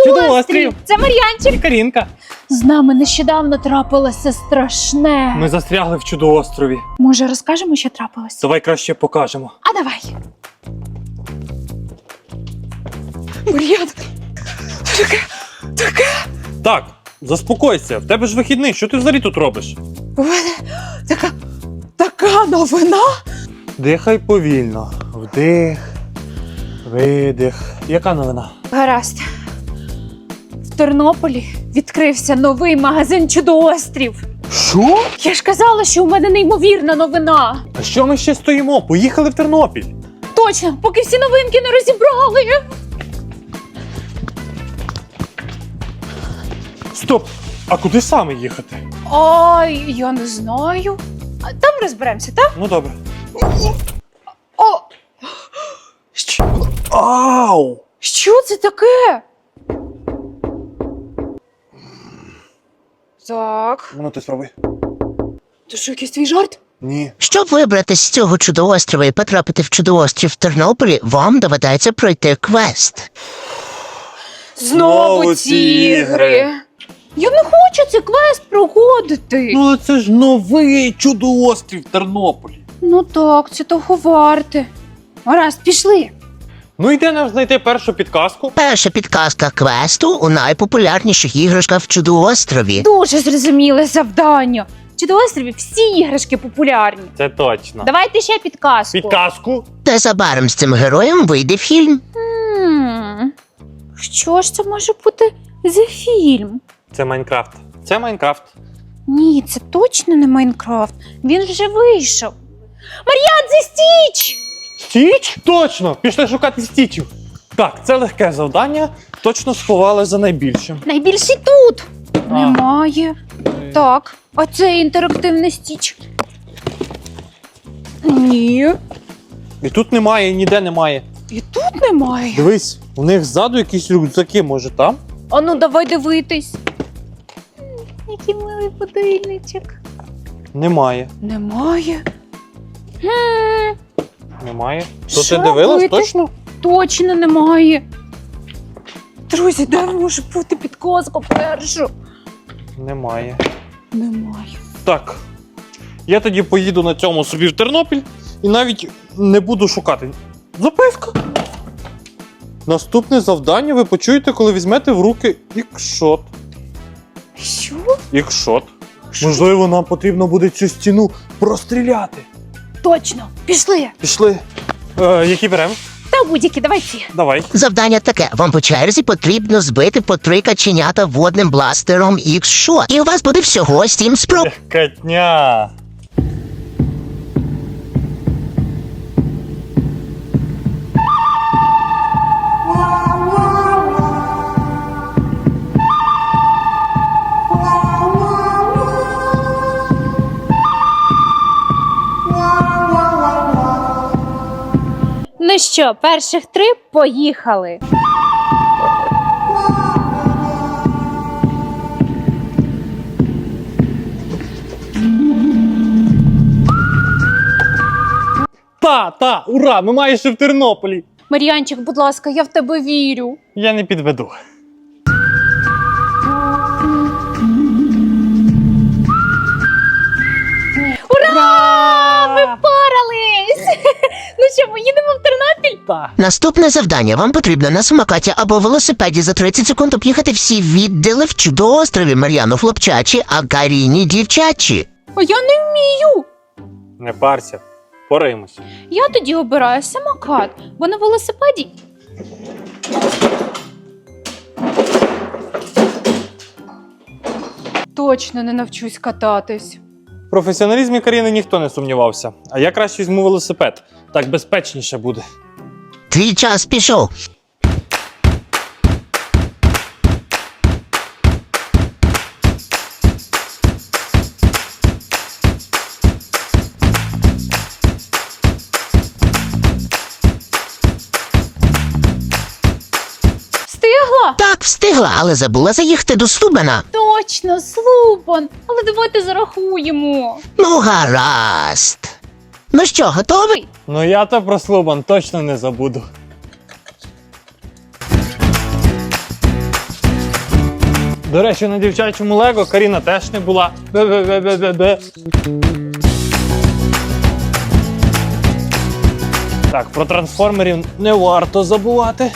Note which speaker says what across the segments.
Speaker 1: Чудоострів!
Speaker 2: Це Мар'янчик!
Speaker 1: Карінка!
Speaker 2: З нами нещодавно трапилося страшне.
Speaker 1: Ми застрягли в чудоострові.
Speaker 2: Може, розкажемо, що трапилося?
Speaker 1: Давай краще покажемо.
Speaker 2: А давай. Мар'ян, таке.
Speaker 1: Так, заспокойся, в тебе ж вихідний, що ти взагалі тут робиш?
Speaker 2: У мене така новина.
Speaker 1: Дихай повільно. Вдих, видих. Яка новина?
Speaker 2: Гаразд. В Тернополі відкрився новий магазин «Чудоострів».
Speaker 1: Що?
Speaker 2: Я ж казала, що у мене неймовірна новина.
Speaker 1: А що ми ще стоїмо? Поїхали в Тернопіль.
Speaker 2: Точно, поки всі новинки не розібрали.
Speaker 1: Стоп! А куди саме їхати?
Speaker 2: Ой, я не знаю. А там розберемося, так?
Speaker 1: Ну добре.
Speaker 2: О,
Speaker 1: Ау!
Speaker 2: що це таке? Так.
Speaker 1: Ну ти спробуй.
Speaker 2: Це що, якийсь твій жарт?
Speaker 1: Ні.
Speaker 3: Щоб вибратись з цього чудоострова і потрапити в чудоострів в Тернополі, вам доведеться пройти квест.
Speaker 1: Знову ці ігри.
Speaker 2: Я не хочу цей квест проходити.
Speaker 1: Ну але це ж новий чудоострів в Тернополі.
Speaker 2: Ну так, це того варте. Гаразд, пішли.
Speaker 1: Ну і де нам знайти першу підказку?
Speaker 3: Перша підказка квесту у найпопулярніших іграшках в чудоострові.
Speaker 2: Дуже зрозуміле завдання. В Чудоострові всі іграшки популярні.
Speaker 1: Це точно.
Speaker 2: Давайте ще підказку.
Speaker 1: Підказку?
Speaker 3: Незабаром з цим героєм вийде фільм.
Speaker 2: Що ж це може бути за фільм?
Speaker 1: Це Майнкрафт. Це Майнкрафт.
Speaker 2: Ні, це точно не Майнкрафт. Він вже вийшов. Мар'ян, це Стіч!
Speaker 1: Стіч? Точно! Пішли шукати стічів. Так, це легке завдання. Точно сховали за найбільшим.
Speaker 2: Найбільший тут. Немає. Так, а це інтерактивний Стіч. Ні.
Speaker 1: І тут немає, і ніде немає.
Speaker 2: І тут немає.
Speaker 1: Дивись, у них ззаду якісь рюкзаки, може там?
Speaker 2: А ну давай дивитись. Який милий будильничок.
Speaker 1: Немає.
Speaker 2: Немає.
Speaker 1: Немає. То
Speaker 2: Що
Speaker 1: ти дивилась
Speaker 2: робити?
Speaker 1: точно?
Speaker 2: Точно немає. Друзі, де може бути підказка першу?
Speaker 1: Немає.
Speaker 2: Немає.
Speaker 1: Так. Я тоді поїду на цьому собі в Тернопіль і навіть не буду шукати. Записка. Наступне завдання ви почуєте, коли візьмете в руки ікшот.
Speaker 2: Що?
Speaker 1: Ікшот. Можливо, нам потрібно буде цю стіну простріляти.
Speaker 2: Точно, пішли.
Speaker 1: Пішли. Які беремо?
Speaker 2: Та будь-які, давай ці.
Speaker 1: Давай.
Speaker 3: Завдання таке: вам по черзі потрібно збити по 3 каченята водним бластером X-Shot. І у вас буде всього 7 спроб.
Speaker 1: Катня.
Speaker 2: Ну що, перших 3 поїхали.
Speaker 1: Та, ура! Ми майже в Тернополі.
Speaker 2: Мар'янчик, будь ласка, я в тебе вірю.
Speaker 1: Я не підведу.
Speaker 2: Ура! Ми впорались! Ну що, ми їдемо в Тернопіль?
Speaker 1: Та.
Speaker 3: Наступне завдання: вам потрібно на самокаті або велосипеді за 30 секунд об'їхати всі відділи в чудоострові. Мар'яну хлопчачі, а Каріні дівчачі.
Speaker 2: А я не вмію.
Speaker 1: Не парся. Поримось.
Speaker 2: Я тоді обираю самокат, бо на велосипеді. Точно не навчусь кататись.
Speaker 1: В професіоналізмі Каріни ніхто не сумнівався. А я краще візьму велосипед. Так безпечніше буде.
Speaker 3: Твій час пішов.
Speaker 2: Встигла?
Speaker 3: Так, встигла, але забула заїхати до Слубена.
Speaker 2: Точно, Слупан. Але давайте зарахуємо.
Speaker 3: Ну, гаразд. Ну що, готовий?
Speaker 1: Ну я то про Слобан точно не забуду. До речі, на дівчачому Лего Каріна теж не була. Бе-бе-бе-бе-бе. Так, про трансформерів не варто забувати.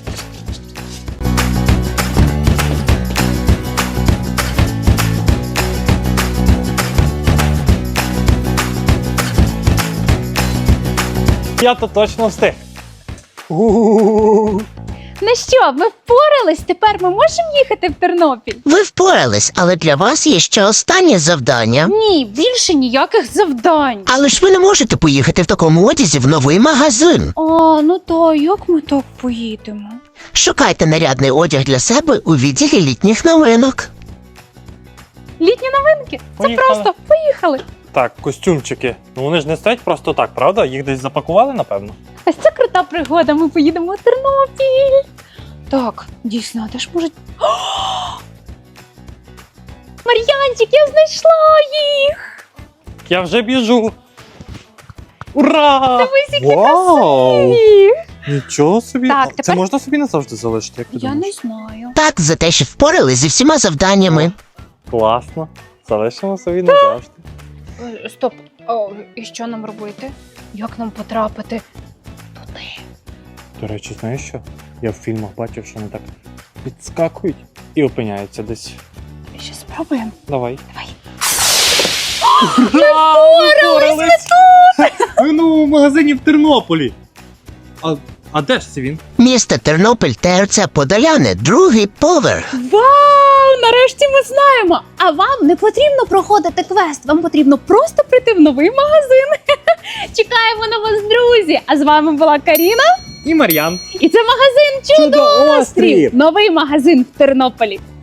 Speaker 1: Я то точно встиг. У-у-у.
Speaker 2: Ну що, ми впорались? Тепер ми можемо їхати в Тернопіль?
Speaker 3: Ви впорались, але для вас є ще останнє завдання.
Speaker 2: Ні, більше ніяких завдань.
Speaker 3: Але ж ви не можете поїхати в такому одязі в новий магазин.
Speaker 2: А, ну то як ми так поїдемо?
Speaker 3: Шукайте нарядний одяг для себе у відділі літніх новинок.
Speaker 2: Літні новинки? Це
Speaker 1: Поїхали.
Speaker 2: просто поїхали.
Speaker 1: Так, костюмчики. Ну вони ж не стоять просто так, правда? Їх десь запакували, напевно.
Speaker 2: Ось це крута пригода, ми поїдемо в Тернопіль. Так, дійсно, а де ж можуть. О! Мар'янчик, я знайшла їх!
Speaker 1: Я вже біжу. Ура!
Speaker 2: Дивись, які
Speaker 1: Вау!
Speaker 2: красиві!
Speaker 1: Нічого собі.
Speaker 2: Так,
Speaker 1: А Це
Speaker 2: тепер-
Speaker 1: можна собі назавжди залишити, як ти
Speaker 2: Я
Speaker 1: думаєш?
Speaker 2: не знаю.
Speaker 3: Так, за те, що впорались зі всіма завданнями.
Speaker 1: Класно. Залишимо собі назавжди.
Speaker 2: Стоп, і що нам робити? Як нам потрапити туди?
Speaker 1: До речі, знаєш що? Я в фільмах бачив, що вони так підскакують і опиняються десь.
Speaker 2: Ще спробуємо.
Speaker 1: Давай.
Speaker 2: Давай.
Speaker 1: Ми в новому магазині в Тернополі. А де ж це він?
Speaker 3: Місто Тернопіль, ТРЦ Подоляни, другий поверх.
Speaker 2: Вау! Нарешті ми знаємо! А вам не потрібно проходити квест, вам потрібно просто прийти в новий магазин. Чекаємо на вас, друзі! А з вами була Каріна.
Speaker 1: І Мар'ян.
Speaker 2: І це магазин Чудо-Острів! Новий магазин в Тернополі.